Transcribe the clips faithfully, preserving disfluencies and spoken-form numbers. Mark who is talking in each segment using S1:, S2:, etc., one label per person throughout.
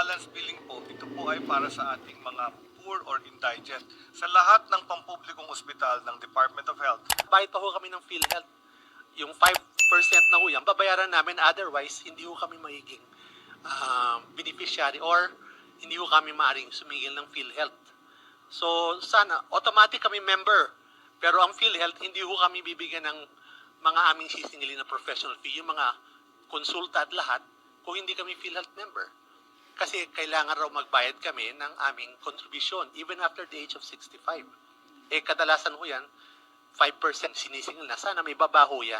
S1: balance billing po, ito po ay para sa ating mga poor or indigent. Sa lahat ng pampublikong ospital ng Department of Health,
S2: Bayad pa ho kami ng PhilHealth. Yung five percent na ho yan, babayaran namin, otherwise hindi ho kami magiging uh, beneficiary or hindi ho kami maaaring sumigil ng PhilHealth. So sana, automatic kami member. Pero ang PhilHealth, hindi ho kami bibigyan ng mga aming sisingilin na professional fee, yung mga konsulta at lahat, kung hindi kami PhilHealth member. Kasi kailangan raw magbayad kami ng aming contribution, even after the age of sixty-five. Eh, kadalasan ho yan, five percent sinisingil na. Sana may babaho yan,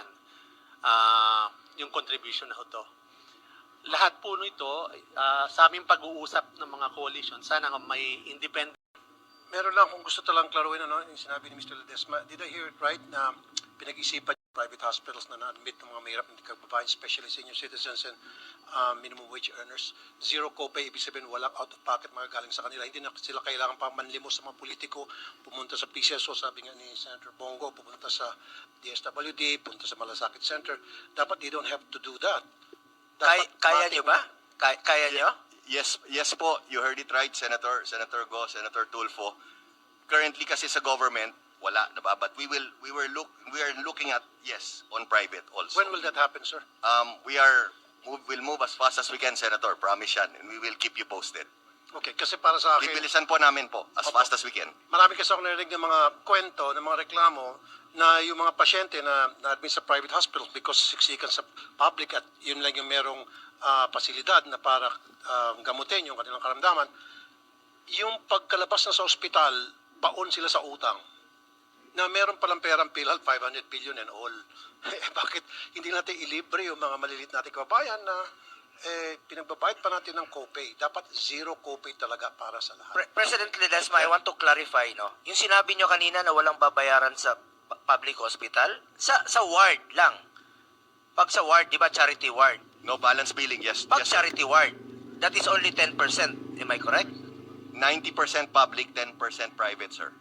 S2: uh, yung contribution na ho to. Lahat po nito, uh, sa aming pag-uusap ng mga coalition, sana nga may independent.
S3: Meron lang kung gusto talang klaruin, ano, yung sinabi ni Mister Ledesma, did I hear it right na pinag-isipan yung private hospitals na na-admit ng mga mahirap na kababayan, especially senior citizens and uh, minimum wage earners? Zero copay, ibig sabihin walang out-of-pocket magagaling sa kanila. Hindi na sila kailangan pa manlimos sa mga politiko, pumunta sa P C S O, sabi nga ni Senator Bongo, pumunta sa D S W D, pumunta sa Malasakit Center. Dapat they don't have to do that.
S4: Kaya,
S3: Dapat
S4: kaya
S3: matik-
S4: nyo ba? Kaya, kaya nyo?
S5: Yes, yes po, you heard it right, Senator, Senator Go, Senator Tulfo. Currently kasi sa government, wala na ba? But we will, we were look, we are looking at, yes, on private also.
S3: When will that happen, sir?
S5: Um, we are, move, we'll move as fast as we can, Senator, promise yan, and we will keep you posted.
S3: Okay, kasi para sa akin,
S5: Bibilisan po namin po, as
S3: Opo.
S5: fast as we can.
S3: marami kasi ako narinig ng mga kwento, ng mga reklamo, na yung mga pasyente na na-admit sa private hospitals because siksikan sa public at yun lang yung merong ah, pasilidad na para ah, gamutin yung kanilang karamdaman, yung pagkalabas na sa ospital, baon sila sa utang. Na meron palang perang PhilHealth, five hundred billion and all. Eh, bakit hindi natin ilibre yung mga malilit nating kababayan na eh, pinagbabayad pa natin ng copay? Dapat zero copay talaga para sa lahat.
S4: Pre- President Ledesma, I want to clarify, no? Yung sinabi nyo kanina na walang babayaran sa pu- public hospital, sa sa ward lang. Pag sa ward, di ba charity ward?
S5: No balance billing, yes.
S4: Pag
S5: yes sir.
S4: charity ward, that is only ten percent. Am I correct?
S5: ninety percent public, ten percent private, sir.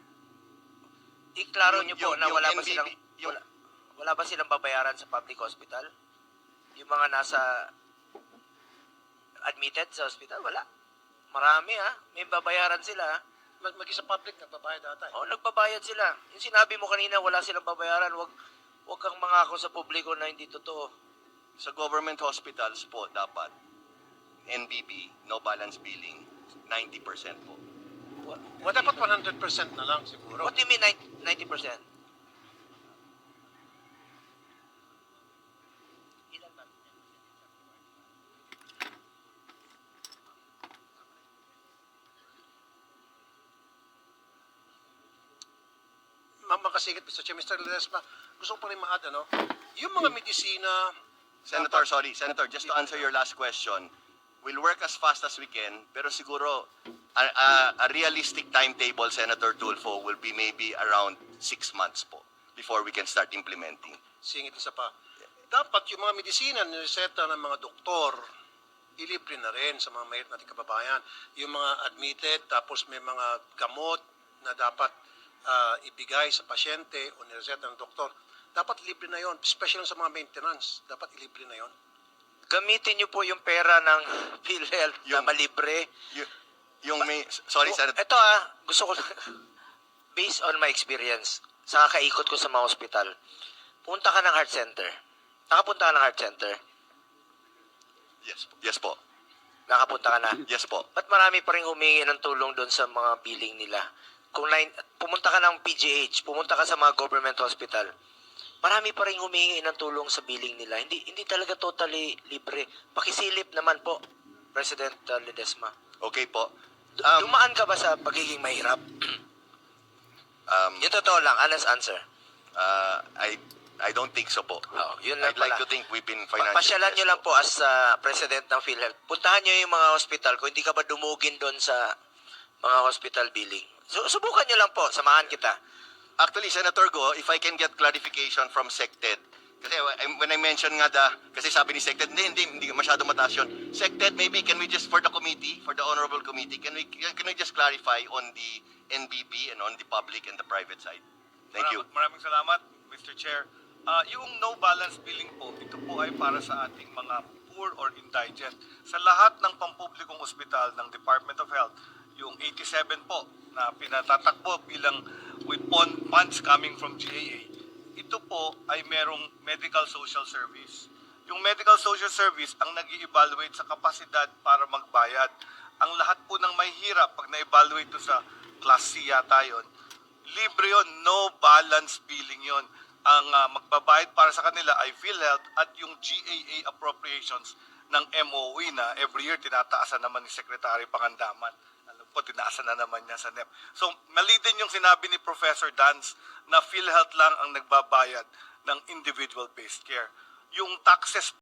S4: Iklaro
S5: Yung-
S4: nyo po
S5: yung-
S4: na
S5: yung
S4: wala ba
S5: N B B,
S4: silang
S5: yung-
S4: wala, wala ba silang babayaran sa public hospital? Yung mga nasa admitted sa hospital, wala. Marami ha, may babayaran sila.
S3: Mag mag sa public, nagbabayad ata. Eh.
S4: O, nagbabayad sila. Yung sinabi mo kanina, wala silang babayaran, wag wag kang mangako sa publiko na hindi totoo.
S5: Sa government hospitals po, dapat N B B, no balance billing, ninety percent po.
S4: What,
S3: Well, dapat one hundred percent na lang siguro.
S4: what do you mean ninety percent?
S3: Ma makasigit, Mister Chair, Mister Ledesma, gusto ko pa rin ma-add, ano? Yung mga medisina,
S5: Senator, sorry, Senator, just to answer your last question, we'll work as fast as we can, pero siguro a, a, a realistic timetable, Senator Tulfo, will be maybe around six months po before we can start implementing.
S3: singit isa pa, dapat yung mga medisina na reseta ng mga doktor, ilibre na rin sa mga mayroon nating kababayan. Yung mga admitted, tapos may mga gamot na dapat ah, ibigay sa pasyente o nireseta ng doktor, dapat libre na yon, especially sa mga maintenance, dapat ilibre na yon.
S4: Gamitin niyo po yung pera ng PhilHealth na
S5: Yung-
S4: malibre.
S5: Y- yung may, sorry, Senator,
S4: Ito ah, gusto ko, based on my experience, sa kakaikot ko sa mga hospital, punta ka ng heart center. Nakapunta ka ng heart center.
S5: yes po, yes po,
S4: Nakapunta ka na.
S5: yes po.
S4: Ba't marami pa rin humingi ng tulong doon sa mga billing nila? Kung nine, pumunta ka ng P G H, pumunta ka sa mga government hospital, marami pa rin humingi ng tulong sa billing nila. Hindi hindi talaga totally libre. Pakisilip naman po, President uh, Ledesma.
S5: Okay po.
S4: Du-
S5: Um,
S4: Dumaan ka ba sa pagiging mahirap?
S5: um,
S4: Yung totoo lang, honest answer.
S5: uh, I, I don't think so po.
S4: Oh, yun lang
S5: I'd like
S4: pala.
S5: to think we've been
S4: Pa-
S5: financially
S4: Pasyalan nyo
S5: blessed
S4: lang po as uh, President ng PhilHealth. Puntahan nyo yung mga hospital kung hindi ka ba dumugin doon sa mga hospital billing. So, subukan nyo lang po, samahan kita.
S5: Actually, Senator Go, if I can get clarification from SecTed, kasi I- when I mentioned nga the, kasi sabi ni SecTed, hindi, hindi, hindi masyado mataas yun. SecTed, maybe can we just, for the committee, for the honorable committee, can we, can we just clarify on the N B B and on the public and the private side? Thank you.
S1: Maraming, maraming salamat, Mister Chair. Ah, yung no balance billing po, ito po ay para sa ating mga poor or indigent. Sa lahat ng pampublikong ospital ng Department of Health, yung eighty-seven po na pinatatakbo bilang with pon- funds coming from G A A, ito po ay merong medical social service. Yung medical social service ang nag-i-evaluate sa kapasidad para magbayad. Ang lahat po ng may hirap, pag na-evaluate to sa class C yata yun, libre yun, no balance billing yun. Ang ah, magbabayad para sa kanila ay PhilHealth at yung G A A appropriations ng M O E na every year tinataasan naman ni Secretary Pangandaman. Alam ko, tinaasan na naman niya sa N E P. So, mali din yung sinabi ni Professor Dance na PhilHealth lang ang nagbabayad ng individual-based care. Yung taxes